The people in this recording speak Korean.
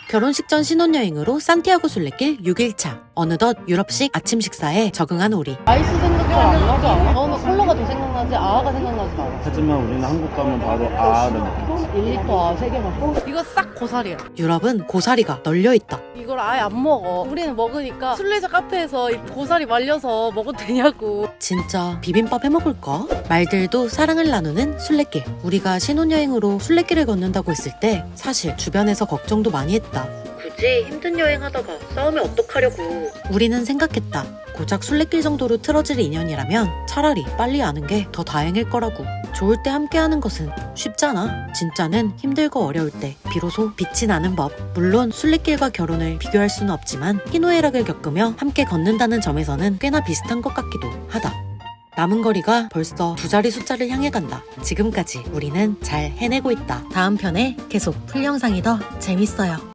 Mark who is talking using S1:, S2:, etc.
S1: 결혼식 전 신혼여행으로 산티아고 순례길 6일차. 어느덧 유럽식 아침 식사에 적응한 우리.
S2: 아이스 생각 잘 안 나지 않아? 너는 콜라가 더 생각나지 아아가 생각나지 않아?
S3: 하지만 우리는 한국 가면 바로 아를 먹겠지.
S2: 1리터 아 3개 먹고? 이거 싹 고사리야.
S1: 유럽은 고사리가 널려있다.
S2: 이걸 아예 안 먹어. 우리는 먹으니까 순례자 카페에서 이 고사리 말려서 먹어도 되냐고.
S1: 진짜 비빔밥 해먹을까? 말들도 사랑을 나누는 순례길. 우리가 신혼여행으로 순례길을 걷는다고 했을 때 사실 주변에서 걱정도 많이 했다. 굳이 힘든 여행하다가 싸우면 어떡하려고. 우리는 생각했다. 고작 순례길 정도로 틀어질 인연이라면 차라리 빨리 아는 게 더 다행일 거라고. 좋을 때 함께하는 것은 쉽잖아. 진짜는 힘들고 어려울 때 비로소 빛이 나는 법. 물론 순례길과 결혼을 비교할 수는 없지만 희노애락을 겪으며 함께 걷는다는 점에서는 꽤나 비슷한 것 같기도 하다. 남은 거리가 벌써 2자리 숫자를 향해 간다. 지금까지 우리는 잘 해내고 있다. 다음 편에 계속 풀 영상이 더 재밌어요.